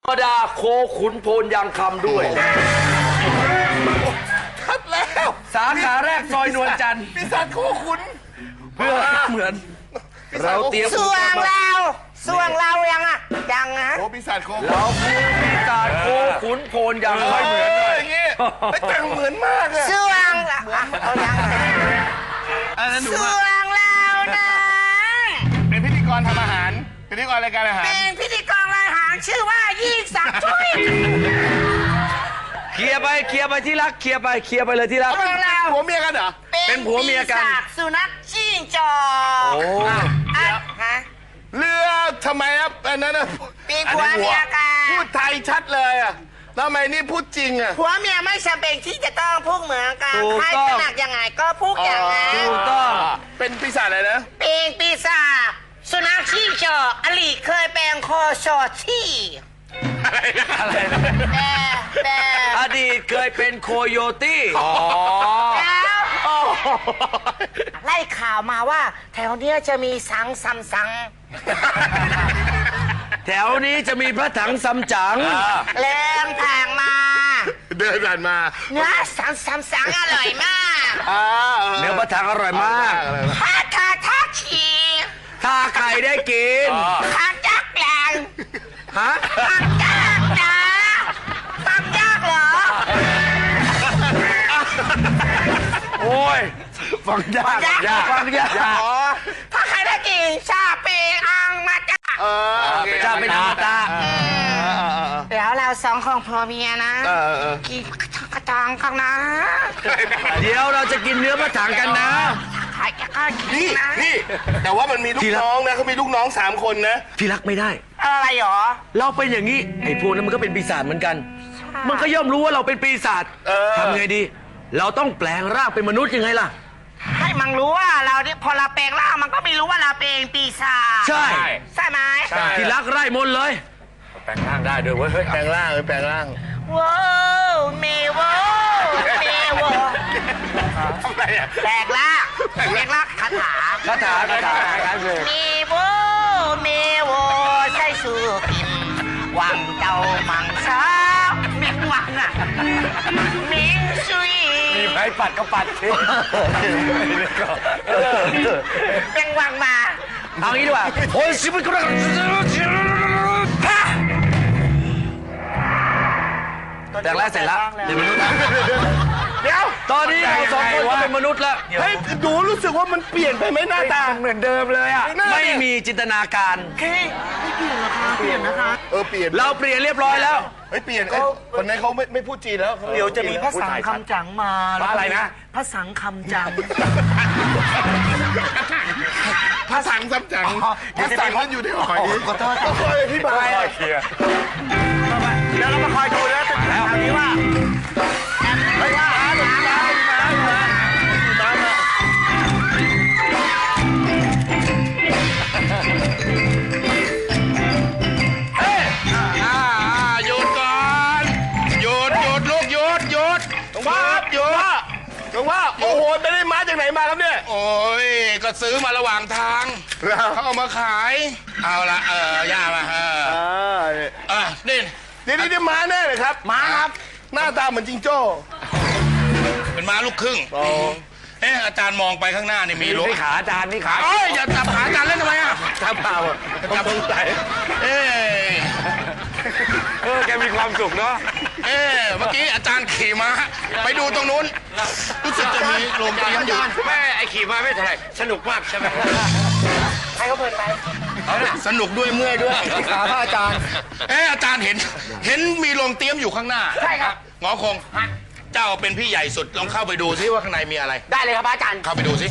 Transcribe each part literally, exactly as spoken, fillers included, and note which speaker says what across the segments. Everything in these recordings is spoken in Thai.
Speaker 1: ธรรมดาโคขุนโพนยางคำด้วย
Speaker 2: ชัดแล้ว
Speaker 1: สาขาแรกซอยนวลจันทร์
Speaker 2: ปีศาจโคขุน
Speaker 1: เพื่อเหมือนเราเตรียม
Speaker 3: ส่วงเราส่วงเรายังอ่ะยังนะ
Speaker 2: โอ้ปีศาจโคขุน
Speaker 1: เราคือปีศาจโคขุนโพนยางคำ
Speaker 2: เหมือนเลยอย่างงี้แต่งเหมือนมากอะ
Speaker 3: ส่วงเอายังส่วงเรานะ
Speaker 2: เป็นพิธีกรทำอาหารพิธีกรรายการอาหาร
Speaker 3: เป็นพิธีกรรายอาหารชื่อว่ายิ่งศักดิ์ช่วย
Speaker 1: เคลียร์ไปเคลียร์ไปที่รักเคลียร์ไปเคลียร์ไปเลยที่รัก
Speaker 2: เป็นผัวเมียกันเหรอ
Speaker 1: เป็นผัวเมียกัน
Speaker 3: สุนัขจิ้งจอก
Speaker 1: โอ้
Speaker 3: ฮะ
Speaker 2: เรือทำไมครับอันนั้นนะ
Speaker 3: เป็นผัวเมียกัน
Speaker 2: พูดไทยชัดเลยอ่ะทำไมนี่พูดจริงอ่ะ
Speaker 3: ผัวเมียไม่จำเป็นที่จะต้องพูดเหมือนกันใครถนัดยังไงก็พูดอย่างนั้น
Speaker 1: ถูกต้อง
Speaker 2: เป็นปีศาจอะไรนะ
Speaker 3: เป็นปีศาจสุนัขจิ้งจอกอลีเคยเป็นคอชอที่
Speaker 2: อะไรนะอะไรนะ
Speaker 3: แต่แต่
Speaker 1: อดีตเคยเป็นโคโยตี้
Speaker 3: แล้วไล่ข่าวมาว่าแถวเนี้ยจะมีสังซัมซัง
Speaker 1: แถวนี้จะมีพระถังซัมจั๋ง
Speaker 3: แรงทางมา
Speaker 2: เดินผ่านมา
Speaker 3: เนื้อสังซัมซังอร่อยมาก
Speaker 1: เนื้อพระถังอร่อยมาก
Speaker 3: ถ้าทาทาชี
Speaker 1: ถ้าใครได้กิน
Speaker 3: ทางยากแรง
Speaker 1: ฮะ
Speaker 3: ทางยากนะทางยากเหรอ
Speaker 1: โอ้ยฟังยากยากฟังยาก
Speaker 3: ถ้าใครได้กินชาเปอังมาจ้า
Speaker 1: เออชาเปอังมาจ้า
Speaker 3: เดี๋ยวเราสองของพ่อเมียนะกินกระจังข้างนะ
Speaker 1: เดี๋ยวเราจะกินเนื้อพระถังกันนะ
Speaker 2: นี่นี่แต่ว่ามันมีลูกน้องนะเขามีลูกน้องสามคนนะ
Speaker 1: พี่รักไม่ได้
Speaker 3: อะไรหรอ
Speaker 1: เราเป็นอย่างนี้ไอ้พวกนั้นมันก็เป็นปีศาจเหมือนกันมันก็ย่อมรู้ว่าเราเป็นปีศาจทำไงดีเราต้องแปลงร่างเป็นมนุษย์ยังไงล่ะ
Speaker 3: ให้มันรู้ว่าเราพอเราแปลงร่างมันก็ไม่รู้ว่าเราเป็นปีศาจ
Speaker 1: ใช่
Speaker 3: ใช่ไหม
Speaker 1: พี่รักไร่มนเลย
Speaker 2: แปลงร่างได้ด้วยเว้ยแปลงร่างเลยแปลงร่าง
Speaker 3: ว้าวเมวเมว
Speaker 2: ทำไรอ่ะ
Speaker 3: แปลงร่างแปลงร่างคาถา
Speaker 1: คาถาคาถา
Speaker 3: เมวเมวใช่สุกิมวังเจ้ามังสาเมียงวังอ่ะเมียงซุย
Speaker 1: มีไม้ปัดก็ปัดสิ
Speaker 3: เมียงวังมา
Speaker 1: เอางี้ดีกว่าโอ้ยสิบคนแต่แรกเสร็จแล้วเดี๋ยวมนุษย์
Speaker 2: เดี๋ยว
Speaker 1: ตอนนี้เราสองคนก็เป็นมนุษย์แล้ว
Speaker 2: เฮ้ยดูรู้สึกว่ามันเปลี่ยนไปไหมหน้าตา
Speaker 1: เหมือนเดิมเลยอ่ะไม่มีจินตนาการ
Speaker 3: เฮ้ยไม่เปลี่ยนนะคะเปลี่ยนนะคะ
Speaker 2: เออเปลี่ยน
Speaker 1: เราเปลี่ยนเรียบร้อยแล้ว
Speaker 2: เฮ้ยเปลี่ยนคนนั้นเขาไม่ไม่พูดจีนแล้ว
Speaker 3: เดี๋ยวจะมีพระสังคำจังมา
Speaker 1: อะไรนะ
Speaker 3: พระสังคำจัง
Speaker 2: พระสังคำจังพระสังมันอยู่ที่หอย
Speaker 3: ขอโทษ
Speaker 2: ก็คอยอธิบาย
Speaker 1: แล้วเรามาคอยดูแล้วแล้วนี้ว่าไม่ว่าหาหลุมน้ำมาน้ำมาเฮ้ย
Speaker 2: อ่าหยุดก่อนหยุดหยุดลูกหยุดหยุดหลวงพ่อหยุดหลวงพ่อโอ้โหไปได้มาจากไหนมาครับเนี่ยโอ้ยก็ซื้อมาระหว่างทางเขาเอามาขายเอาละเออย่ามาเออเออนี่นี่นี่ม้าแน่เลยครับ
Speaker 3: ม้าครับ
Speaker 2: หน้าตาเหมือนจิงโจ้เป็นม้าลูกครึ่งเอออาจารย์มองไปข้างหน้านี่มีรถ
Speaker 1: นี่ขาอาจารย์นี่ขา
Speaker 2: เอ้ยอย่าจับขาอาจารย์เล่นทำไมอ่ะ
Speaker 1: จับเปล่า
Speaker 2: จับตรงไหนเอ้
Speaker 1: เออแกมีความสุขเนาะ
Speaker 2: เอ้เมื่อกี้อาจารย์ขี่ม้าไปดูตรงนู้นรู้สึกจะมีโรงเรียนอยู่
Speaker 1: แม่ไอขี่ม้าไม่เท่าไหร่สนุกมากใช่ไหม
Speaker 3: ใครเขาเพลินไป
Speaker 2: สนุกด้วยเมื่อยด้วย
Speaker 1: ขาพระอาจารย์
Speaker 2: เอออาจารย์เห็นเห็นมีโรงเตรียมอยู่ข้างหน้า
Speaker 3: ใช่ครับ
Speaker 2: งอคงเจ้าเป็นพี่ใหญ่สุดลองเข้าไปดูซิว่าข้างในมีอะไร
Speaker 3: ได้เลยครับอาจารย์
Speaker 2: เข้าไปดูสิ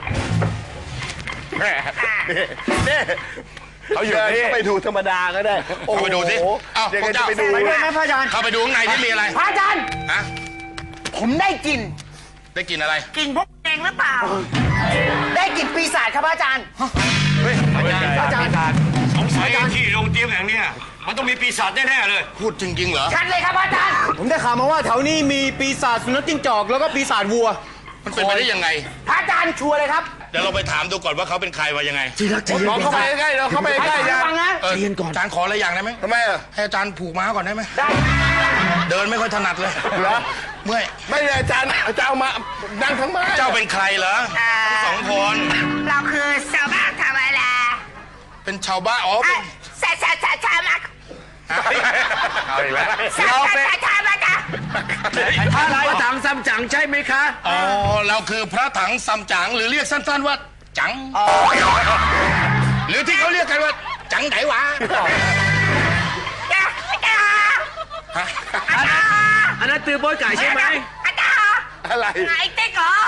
Speaker 2: นี่
Speaker 1: เขาอยู่นี่
Speaker 2: ไปดูธรรมดาก็ได้เข้าไปดูสิเอ้าพวกเจ้าไปดู
Speaker 3: ไหมพระอาจารย์
Speaker 2: เข้าไปดูข้างในที่มีอะไร
Speaker 3: พระอาจารย์
Speaker 2: ฮะ
Speaker 3: ผมได้กิน
Speaker 2: ได้กินอะไร
Speaker 3: กินพวกเองหรือเปล่าได้กินปีศาจครับพระอาจารย์
Speaker 1: เฮ้ยอาจารย์อาจารย์
Speaker 4: สงสัยที่โรงเตรียมแห่งนี้มันต้องมีปีศาจแน่ๆเลย
Speaker 2: พูดจริงๆเหรอ
Speaker 3: ชัดเลยครับอาจารย์
Speaker 5: ผมได้ข่าวมาว่าแถวนี้มีปีศาจสุนัขจิ้งจอกแล้วก็ปีศาจวัว
Speaker 2: มันเป็นไปได้ยังไง
Speaker 3: พระอาจารย์ชัวร์เลยครับ
Speaker 2: ดี๋ยวเราไปถามดูก่อนว่าเขาเป็นใครว่ายังไง
Speaker 1: ที่รักใจเย็น
Speaker 2: ลองเข้าไปใกล้ๆเราเข้าไปใกล้ๆอาจารย์
Speaker 1: ใจเย็นก่อน
Speaker 2: อาจารย์ขออะไรอย่างได้ไหม
Speaker 5: ทำไมอ่ะ
Speaker 2: ให้อาจารย์ผูกม้าก่อนได้ไหม
Speaker 3: ได้
Speaker 2: เดินไม่ค่อยถนัดเลย
Speaker 5: เหรอ
Speaker 2: เมื่อย
Speaker 5: ไม่เลยอาจารย์อาจารย์เอามานั่งทั้งไม้
Speaker 2: เจ้าเป็นใครเหรอทั้งสองคน
Speaker 3: เราคือชาวบ้านธรรมดา
Speaker 2: เป็นชาวบ้านอ๋อเป็น
Speaker 3: ชาชาชาชามา
Speaker 2: เอาอีกแล้ว
Speaker 3: ชาชาชาชามาจ้ะ
Speaker 1: พระพระถังซัมจั๋งใช่ไหมคะ
Speaker 2: อ๋อเราคือพระถังซัมจั๋งหรือเรียกสั้นๆว่าจังหรือที่เขาเรียกกันว่าจังไหนวะ
Speaker 3: จ้ะจ้ะ
Speaker 2: ฮะ
Speaker 1: อันนั้นอันนั้นตือโป้ยไก่ใช่ไหม
Speaker 3: อาจารย์
Speaker 5: อะไร
Speaker 3: ไงเต๊กเหรอ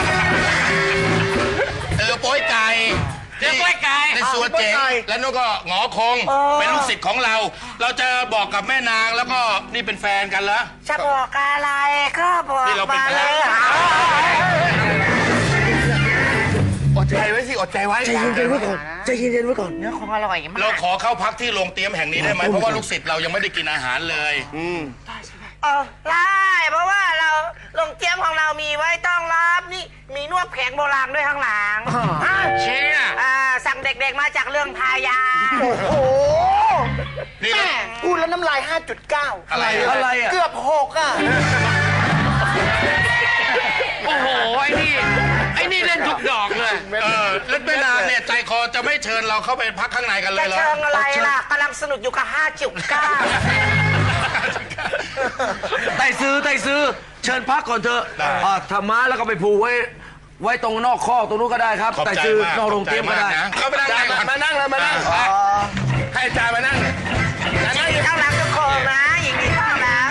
Speaker 2: เออโป้ยไก่
Speaker 3: เรือโป๊ยไก่
Speaker 2: ในสัวเจ๋งแล้วนู่นก็หงอคง เป็นลูกศิษย์ของเรา เราจะบอกกับแม่นางแล้วก็นี่เป็นแฟนกันแล้ว
Speaker 3: จะบอกอะไรก็บอก
Speaker 2: นี่เราเป็น
Speaker 3: มา
Speaker 2: แฟ
Speaker 3: เล
Speaker 2: น
Speaker 3: ย
Speaker 5: อดใจไว้สิอดใจไว้
Speaker 1: ใจเย็นๆไว้ก่อนใจเย็นๆไว้ก่อน
Speaker 3: เนื้อคงอร่อยมาก
Speaker 2: เราขอเข้าพักที่โรงเตรียมแห่งนี้ได้ไหมเพราะว่าลูกศิษย์เรายังไม่ได้กินอาหารเลย
Speaker 3: เออได้เพราะว่าเราโรงเตรียมของเรามีไว้ต้อนรับนี่มีนวดแผงโบราณด้วยข้างหลัง
Speaker 2: เชี่ย
Speaker 3: อ่าสั่งเด็กๆมาจากเรื่องพายา
Speaker 5: โอ้โห
Speaker 2: นี่เรา
Speaker 5: พูดแล้วน้ำลาย ห้าจุดเก้า
Speaker 2: อะไร
Speaker 1: อะไรอ่ะ
Speaker 5: เกือบหกอ่ะ
Speaker 1: โอ้โห ไอ้นี่ ไอ้นี่เล่นทุกดอกเลย
Speaker 2: เออแล้วแม่นางเนี่ยใจคอจะไม่เชิญเราเข้าไปพักข้างในกันเล
Speaker 3: จะ
Speaker 2: ยเหรอ
Speaker 3: เชิงอะไรล่ะกำลังสนุกอยู่กับห้าจุดเก้า
Speaker 1: ไต่ซื้อไต่ซื้อ เชิญพักก่อนเถอะอ่าธรรมะแล้วก็ไปผูกไว้ ไว้ตรงนอกข้อกตรงนู้นก็ได้ครับ
Speaker 2: ขอบ
Speaker 1: ไต่
Speaker 2: ใจ
Speaker 1: ซื้อ
Speaker 2: มาก
Speaker 1: นอกโรงเตรียมก็ได้
Speaker 2: ขอบใจากนะเข้าไปนั่ง
Speaker 5: อาจาร
Speaker 2: ใน
Speaker 5: ย์
Speaker 2: ก่อน
Speaker 5: มานั่งเลยมานั่งให้อาจารย์มานั่ง
Speaker 3: ยินดีต้อนรับทุกคนนะยินดีต้อนรับ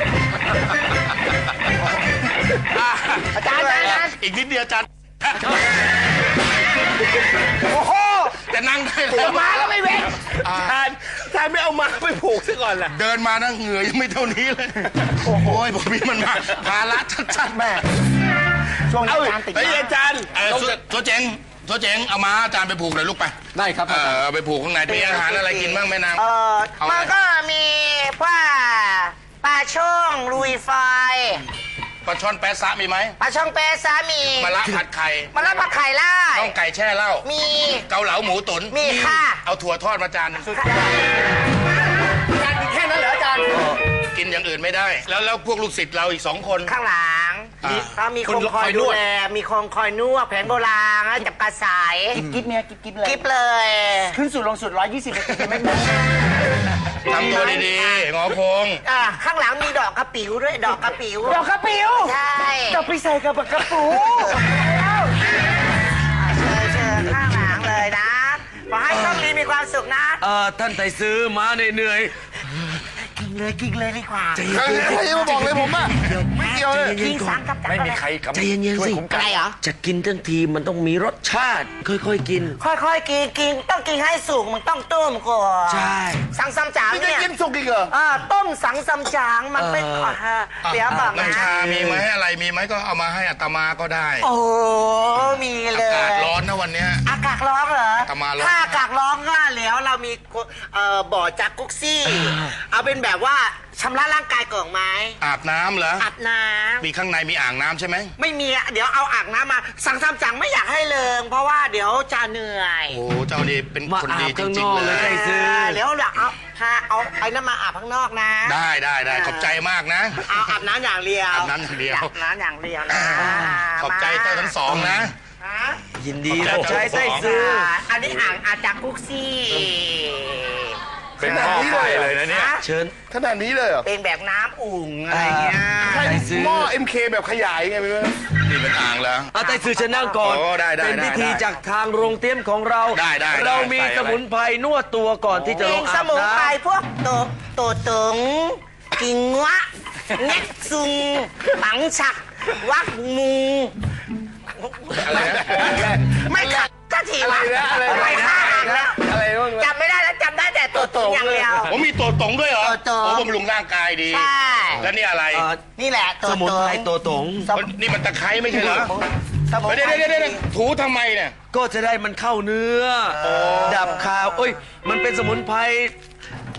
Speaker 5: อาจารย์อาจารย์
Speaker 2: อีกนิดเดียวอาจารย์
Speaker 5: โอ้โห
Speaker 2: จะนั่งได้
Speaker 5: เดี๋
Speaker 2: แล้
Speaker 5: ยว วมาแล้วไม่เว้นอาจารย์อาจารย์ไม่เอามาไปผูกซะก่อนล่ะ
Speaker 2: เดินมานั่งเหงื่อยังไม่เท่านี้เลย โอ้โหผมมีมันมาภาระชัดๆแม่
Speaker 5: ช่วงนี้อาจารย์ติดไอ้อาจารย์
Speaker 2: เออตัวตัวเจ๋งตัวเจ๋งเอามาอาจารย์ไปผูกเลยลูกไป
Speaker 5: ได้ครับ
Speaker 2: เออเอาไปผูกข้างในมีอาหารอะไรกินบ้างแม่นาง
Speaker 3: เออ
Speaker 2: เอาอะไร
Speaker 3: มันก็มีว่าปลาช่องลุยไฟ
Speaker 2: ปลาช่อนแปะซะมีไหม
Speaker 3: ปลาช่องเปซามี
Speaker 2: มะระผัดไข่
Speaker 3: มะละผัดไข่ไล่
Speaker 2: ข้าวไก่แช่เหล้า
Speaker 3: มี
Speaker 2: เกาเหลาหมูตุ๋น
Speaker 3: มีค่ะ
Speaker 2: เอาถั่วทอดมาจานหนึง
Speaker 5: อาจารย์มีแค่นั้นเหรออาจารย์
Speaker 2: กินอย่างอื่นไม่ได้ แล้วแล้วพวกลูกศิษย์เราอีกสองคน
Speaker 3: ข้างหลัง
Speaker 2: อ่า
Speaker 3: เขามีคนคอยดูแลมีคนคอยนวดแผนโบราณแล้วจับกระสาย
Speaker 5: กิ๊บเนี่ยกิ๊บกิ๊บเลย
Speaker 3: กิบเลย
Speaker 5: ขึ้นสุดลงสุดร้อยยี่สิบกิบไม่หมด
Speaker 2: ทำตัวดีๆงอพง
Speaker 3: อ่าข้างหลังมีดอกกระปิ๋วด้วยดอกกระปิ๋ว
Speaker 5: ดอกกระปิว
Speaker 3: ใช่
Speaker 5: ดอกไปใส่กับกระปู
Speaker 3: เชิญเชิญข้างหลังเลยนะขอให้โชคดีมีความสุขนะ
Speaker 1: เอ่อท่านไต่ซื้อมาเหนื่อย
Speaker 3: กินเลยกินเลยดีกว่า
Speaker 1: ๆใจเย็
Speaker 5: ใคร
Speaker 1: น
Speaker 5: ใครมาบอกเลยผมอ่ะไม่เกี่ยวเลย
Speaker 1: ๆใจ
Speaker 3: กิ
Speaker 1: เย็
Speaker 3: น
Speaker 1: นๆก่อ
Speaker 3: สาน มกับจับไม่มีใคร
Speaker 1: ใจเย็นๆสิ
Speaker 3: อะไรเหรอ
Speaker 1: จะกินทั้งทีมันต้องมีรสชาติ ค่อยๆกิน
Speaker 3: ค่อยๆกินกินต้องกินให้สุกมันต้องต้มก่อน
Speaker 1: ใช่
Speaker 3: สังซัมจาง
Speaker 5: นี่จะ
Speaker 3: เนี่ย
Speaker 5: กินสุกอีกเหรอ
Speaker 3: อ่าต้มสังซัมจางมันเป็น
Speaker 1: เออ
Speaker 3: อ่าเดี๋ยวบอกนะ
Speaker 2: น้ำชามีไหมอะไรมีไหมก็เอามาให้อาตมาก็ได้
Speaker 3: โอ้มีเล
Speaker 2: อาย กาศร้อนนะวันเนี้ย
Speaker 3: อากาศร้อนเหรอ
Speaker 2: อามาร้อน
Speaker 3: ถ้าอากาศร้อนก็แล้วเรามีเอ่อบ่อจากกุ๊กซี่ เอาเป็นแบบว่าชำระร่างกายก่อนไหม
Speaker 2: อาบน้ำเหรอ
Speaker 3: อาบน้
Speaker 2: มีข้างในมีอ่างน้ำใช่ไหม
Speaker 3: ำไม่มีอะเดี๋ยวเอาอ่างน้ำมา สังซัมจังไม่อยากให้เลิงเพราะว่าเดี๋ยวจะเหนื่อย
Speaker 2: โอ้เจ้านี่เป็น
Speaker 1: มา
Speaker 2: คน
Speaker 1: อา
Speaker 2: ดี
Speaker 1: บ
Speaker 2: จ
Speaker 1: ข้างน
Speaker 2: ริง
Speaker 1: อก
Speaker 2: ๆ
Speaker 1: เล
Speaker 2: เลย ย
Speaker 1: ไต่ซื้อ
Speaker 3: เดี๋ยวเดี๋ยวเอาพาเอาไอ้น้ำมาอาบข้างนอกนะ
Speaker 2: ได้ได้ได้ขอบใจมากนะ
Speaker 3: เอาอาบน้ำอย่างเดียว
Speaker 2: อาบน้ำอย่างเดียว
Speaker 3: อาบน้ำอย่างเดียวนะ
Speaker 2: ขอบใจเจ้าทั้งสองนะ
Speaker 3: ฮะ
Speaker 1: ยินดี
Speaker 2: ข
Speaker 1: รั
Speaker 2: อ
Speaker 1: บบ
Speaker 2: ใจ
Speaker 1: ใช้ไต่ซื้อ
Speaker 3: อ่าอันนี้อ่างอาจากกุ๊กซี่
Speaker 5: เป็นหม้อไฟเลยนะเนี่ย
Speaker 3: ฮ
Speaker 1: เชิญ
Speaker 5: ขนาดนี้เลยเหรอ
Speaker 3: เป็นแบบน้ำอุ่งอะไรเงี้ย
Speaker 5: ใช่
Speaker 1: ไต่ซื้อ
Speaker 5: หม้อ เอ็ม เค แบบขยายไงไม่รู้
Speaker 2: นี่เป็นอ่างแล้ว
Speaker 1: เอาไต่ซื้อเชิญนั่งก่อน
Speaker 2: โอ้ได้ได้
Speaker 1: เป็นพิธี
Speaker 2: ได้
Speaker 1: จากทางโรงเตรียมของเรา
Speaker 2: ได้ได้ได้
Speaker 1: เรามี
Speaker 2: ใส่อะไร
Speaker 1: สมุนไพรนวดตัวก่อนที่จะล
Speaker 3: มี
Speaker 1: ง
Speaker 3: ส
Speaker 1: อาบ
Speaker 3: มุน
Speaker 1: น้
Speaker 3: ไพรพวกโตโตตึงกิงวะเง็กซุงปังฉัก วักมู
Speaker 2: อะไรนะ
Speaker 3: ไม่ขัดก็ทีวะ
Speaker 5: อะไรนะอะไรนะ
Speaker 3: ไม่ฆ่าอ่างแล้ว
Speaker 5: อะไรบ้าง
Speaker 3: จำไม่ได้แล้วจำได้แต่ตัวตึงอย่างเดียว
Speaker 2: ผมมีตัวตรงด้วยเหรอ
Speaker 3: ตัวตรง
Speaker 2: โอ้บำรุงร่างกายดี
Speaker 3: ใช่
Speaker 2: แล้วนี่อะไร
Speaker 1: ำเอ่อ
Speaker 3: นี่แหละตัว
Speaker 1: สมุน
Speaker 3: ตึ
Speaker 1: ไพรง ตัวตง
Speaker 2: นี่มันตะไคร้ไม่ใช่เหรอ
Speaker 3: สมุน
Speaker 2: เดี๋ยว
Speaker 3: ไพร
Speaker 2: เดี๋ยวเดี๋ยวเดี๋ยวถูทำไมเนี่ย
Speaker 1: ก็จะได้มันเข้าเนื้อ ดับคาวเอ้ย มันเป็นสมุนไพร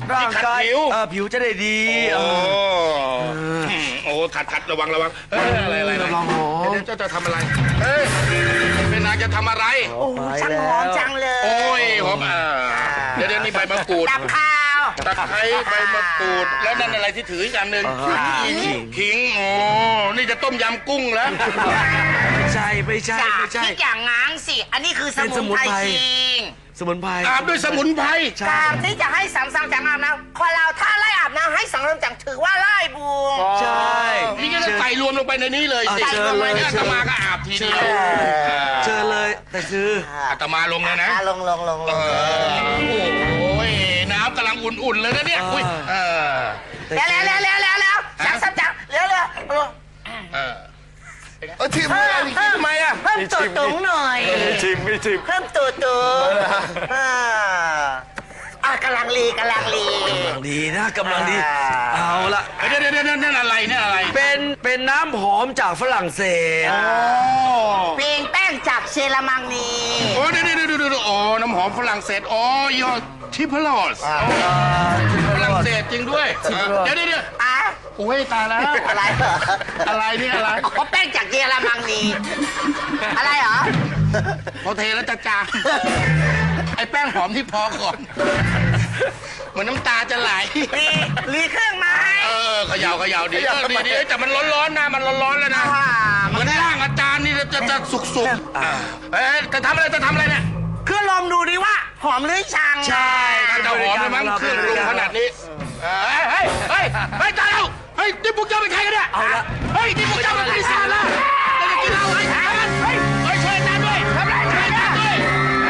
Speaker 1: ร่างกาย
Speaker 2: ผิว
Speaker 1: เออผิวจะได้ดี
Speaker 2: โอ้
Speaker 1: เออ
Speaker 2: โอ้ขัดขัดระวังระวังเอ้ยอะไรอะไรอะไร
Speaker 1: ระวังหอม
Speaker 2: เดี๋ยวเจ้าจะทำอะไรเฮ้ยเป็นนางจะทำอะไร
Speaker 3: โอ้ช่างหอมจังเลย
Speaker 2: โอ้ยหอมอ่าเดี๋ยวเดี๋ยวนี่ใบมะกรูด
Speaker 3: ดับข้าว
Speaker 2: ตะไคร้ใบมะกรูดแล้วนั่นอะไรที่ถืออีกอันหนึ่ง
Speaker 1: อ่าขิง
Speaker 2: ขิงโอ้นี่จะต้มยำกุ้งแล้ว
Speaker 1: ไม่ใช่ไม่ใช่
Speaker 3: อย่า
Speaker 1: ไม่ใช่
Speaker 3: คิดอย่างง้างสิ อันนี้คือส
Speaker 1: เป็น
Speaker 3: มุ
Speaker 1: ส
Speaker 3: น
Speaker 1: มุน
Speaker 3: ไพร
Speaker 1: ไพร
Speaker 3: จริง
Speaker 1: สมุนไพร
Speaker 2: อาบด้วยสมุนไพร
Speaker 1: ใช่
Speaker 3: การที่จะให้สังสรรค์จากอาบน้ำคนเราถ้าไล่อาบน้ำให้สังสรรค์จากถือว่าไล่บุญ
Speaker 1: ใช่
Speaker 2: นี่ก็จะใส่รวมลงไปในนี้เลยสิ
Speaker 1: อ่ะเชิญเลย
Speaker 2: เนี่ยอาตมาก็อาบทีเดียว
Speaker 1: เจอเลยแต่คือ
Speaker 2: อาตมาลงเลยนะ
Speaker 3: อ่ะลงลงลงล
Speaker 2: เอง อโอ้ยน้ำกำลังอุ่นๆเลยนะเนี่ยอุ้ยเออ
Speaker 3: แล้วแล้วแล้วแล้วแล้วแล้วสังสรรค์จากแล้วแล้ว
Speaker 2: เออ
Speaker 5: เออทีมงานอีกทีทำไมอ่ะ
Speaker 3: เพิ่มตัวตุงหน่อย
Speaker 1: ชิมไม่ชิม
Speaker 3: เพิ่มตัวตุงอ่าอ่ะกำลังลีกำลังลี
Speaker 1: กำลังดีนะกำลังดี
Speaker 3: อ่า
Speaker 1: เอาละ
Speaker 2: เดี๋ยวเดี๋ยวเดี๋ยวนั่นอะไรนั่นอะไร
Speaker 1: เป็นเป็นน้ำหอมจากฝรั่งเศส
Speaker 2: โอ้
Speaker 3: เปลี่ยนแป้งจากเชลามังนี
Speaker 2: โอ้เดี๋ยวเดี๋ยวเดี๋ยวเดี๋ยวโอ้น้ำหอมฝรั่งเศสอ๋อยอทิพลอสฝรั่งเศสจริงด้วยเดี๋ยวเดี๋ยวเดี๋ยว
Speaker 3: อ่ะ
Speaker 2: โอ้ยตายแล้ว
Speaker 3: อะไรเหรอ
Speaker 2: อะไรนี่อะไร
Speaker 3: อ๋อแป้งจากเยอรมังนีอะไรเหรอ
Speaker 2: พอเทแล้วจะจางไอ้แป้งหอมที่พอก่อนเหมือนน้ำตาจะไหล
Speaker 3: ลีลีเครื่องไม้
Speaker 2: เออเขย่าเขย่าดีเออดีดีแต่มันร้อนๆนะมันร้อนๆแล้วนะ
Speaker 3: อ่า
Speaker 2: เหมือนร่างอาจารย์นี่จะจะสุกๆเอ๊ะจะทำอะไรจะทำอะไรเนี่ย
Speaker 3: เครื่องลมดูดิว่า หอมหรือชัง
Speaker 1: ใช่
Speaker 2: น่าจะหอมเลยมั้งเครื่องปรุงขนาดนี้เฮ้ยเฮ้ยเฮ้ยเฮ้ยตายแล้วเฮ้ยนี่พวกเจ้าเป็นใครกันเนี่ย
Speaker 1: เอาละ
Speaker 2: เฮ้ยนี่พวกเจ้าเป็นปีศาจแล้วจะกินเราเฮ้ยเฮ้ยเฮ้ยช่วยอาจารย์ด้วยทำไรช่วยอาจารย์ด้วย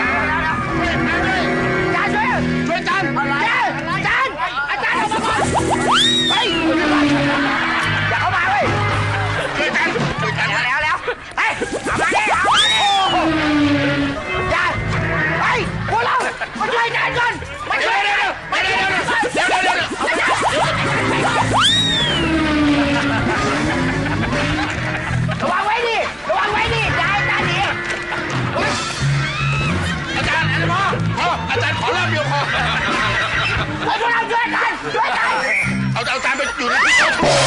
Speaker 2: ช่วยอาจารย์ด้วย
Speaker 3: อาจารย์อาจารย์อาจารย์ออกมาก่อนเฮ้ยอย่าเข้ามาเว้ย
Speaker 2: ช่วยอาจารย์ช่วยอาจารย์
Speaker 3: แล้วแล้วเฮ้ยเอามาดิเอามาดิอย่าเฮ้ยพวกเรามาช่วยกันก่อนมาช่วยกัน
Speaker 2: เดี๋ยวเดี๋ยวเดี๋ยวเดี๋ยวเดี๋ยวเดี๋ยวเดี๋ยว
Speaker 3: ระวังไว้ดิระวังไว้ดิอย่าให้อาจารย์หนี
Speaker 2: อาจารย์อาจารย์พ่อพ่ออาจารย์ขอรอบเดียวพอ
Speaker 3: พวกเราช่วยกันช่วยกัน
Speaker 2: เอาเอาอาจารย์ไปอยู่ในที่เขาถูก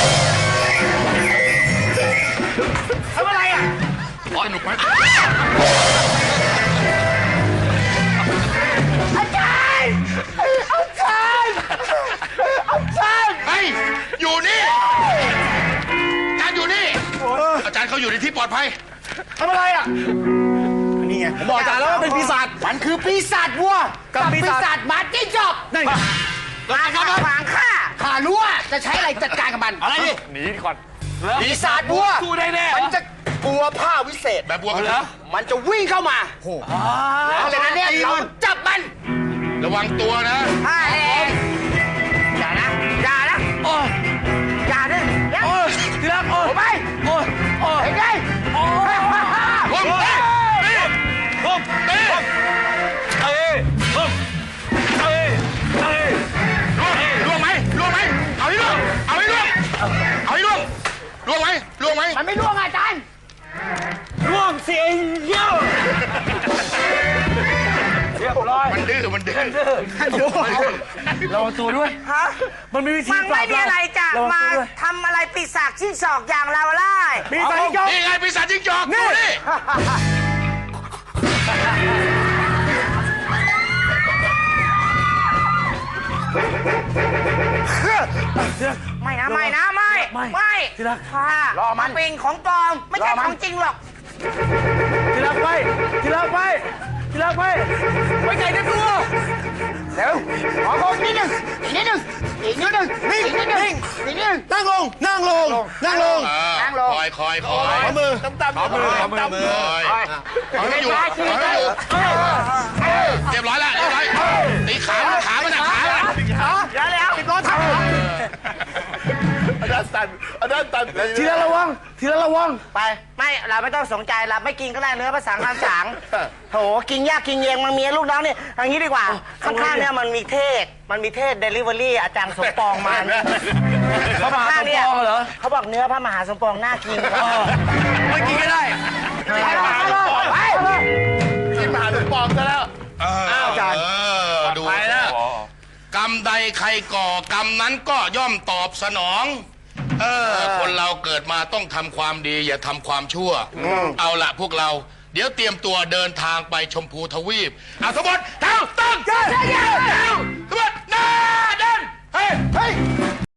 Speaker 3: ทำอะไรอ่ะ
Speaker 2: สนุกไหม
Speaker 3: อาจารย์อาจารย์อาจารย์
Speaker 2: เฮ้ยอยู่นี่อาจารย์อยู่นี่อาจารย์เขาอยู่ในที่ปลอดภัย
Speaker 5: ทำอะไรอ่ะ นี่ไง ผมบอกอาจารย์แล้วว่าเป็นปีศาจ
Speaker 3: มันคือปีศาจวัว
Speaker 5: กับปีศาจ
Speaker 3: หมาจิ้งจอก
Speaker 5: นี่
Speaker 3: มาค่ะขวางข้าข้ารู้ว่าจะใช้อะไรจัดการกับมัน
Speaker 5: อะไรดิ
Speaker 1: หนีก่อน
Speaker 5: ปีศาจบัว
Speaker 1: สู้ได้แน่
Speaker 5: มันจะกลัวผ้าวิเศษ
Speaker 2: แบบบัวเหรอ
Speaker 5: มันจะวิ่งเข้ามาแล้วจากนั้นเนี่ยเราจับมัน
Speaker 2: ระวังตัวนะ
Speaker 3: ข้าเองอย่านะอย่านะ
Speaker 1: โอ้ย
Speaker 3: อย่านะอย่า
Speaker 1: โอ้ยที่รักโอ้ย
Speaker 3: ไป
Speaker 1: โอ้ยโอ้ย
Speaker 3: เห็นไหม
Speaker 1: โอ้ย
Speaker 2: ผมเต้เต้
Speaker 1: ผมเอ้ยเอ้ยผมเอ้ยเอ้ย
Speaker 2: ล่วงไหมล่วงไหมเอาให้ล่วงเอาให้ล่วงเอาให้ล่วงล่วงไหมล่วงไหม
Speaker 3: มันไม่ร่วงอาจารย์
Speaker 1: ร่วงเสียเยี่ยวเรียบร้อย
Speaker 2: มันดื้อมันดื้อ
Speaker 1: ระวังตัวด้วย
Speaker 3: ฮะ
Speaker 1: มันมีวิธี
Speaker 3: มัน
Speaker 1: ปรา
Speaker 3: ไม่
Speaker 1: บ
Speaker 3: มีอะไรจะ
Speaker 1: ระวัง
Speaker 3: มา
Speaker 1: ตัวด้วย
Speaker 3: ทำอะไรปีศาจชิ้นศอกอย่างเราไล่
Speaker 1: มีสายยก
Speaker 2: นี่ไงปีศาจจิ้งจอกดูนี่
Speaker 3: ไม่นะไม่นะไม่
Speaker 1: ไม่
Speaker 3: ไม่
Speaker 1: ที่รัก
Speaker 3: ค่ะ
Speaker 5: รอมัน
Speaker 3: เป็นของปลอมไม่ใช่
Speaker 5: รอมัน
Speaker 3: ของจริงหรอก
Speaker 1: ที่รักไปที่รักไปที่รักไปไปไก่ในตัว
Speaker 5: เร็วขอโทษนิดนึงอีกนิดนึงอีกนิดนึงนิ่งนิ่งอีกนิดนึงนั่งลง นั่งลง นั่งลง
Speaker 3: นั่งลง
Speaker 2: คอยคอยคอย
Speaker 5: ขอมือต่ำต่ำขอมือ
Speaker 1: ขอมือ
Speaker 5: ต่ำ
Speaker 1: มือ
Speaker 2: คอยเอาให้อยู่เอาให้อยู่เรียบร้อยแล้วเรียบร้อยตีขาขามันนะขามัน
Speaker 3: แล้วแล้ว
Speaker 5: รอทำอาจารย์ตันอาจารย์ตัน
Speaker 1: ทีละระวังทีละระวัง
Speaker 3: ไปไม่เราไม่ต้องสนใจเราไม่กินก็ได้เนื้อภาษาคำสางโถกินยากกินเย็นมันมีลูกน้องเนี่ยเอย่างนี้ดีกว่า ข้างๆเนี่ยมันมีเทศมันมีเทศเดลิเวอรี่อาจารย์สมปองมา
Speaker 1: พระมหาสมปองเหรอ
Speaker 3: เขาบอกเนื้อพระมหาสมปองน่ากิน
Speaker 1: อ๋อไม่กินก็ได้
Speaker 3: ไปไป
Speaker 5: กินมหาสมปองซะแล้ว
Speaker 2: อ้าวอาจารย์ดู
Speaker 1: ไปแล้ว
Speaker 2: กกรรมใดใครก่อกรรมนั้นก็ย่อมตอบสนอง เออ คนเราเกิดมาต้องทำความดี อย่าทำความชั่ว เอาละพวกเรา เดี๋ยวเตรียมตัวเดินทางไปชมพูทวีปเอาสมบัติเท้าตั้งเท้าสมบัติหน้าเดินเฮ้ย
Speaker 5: เฮ้ย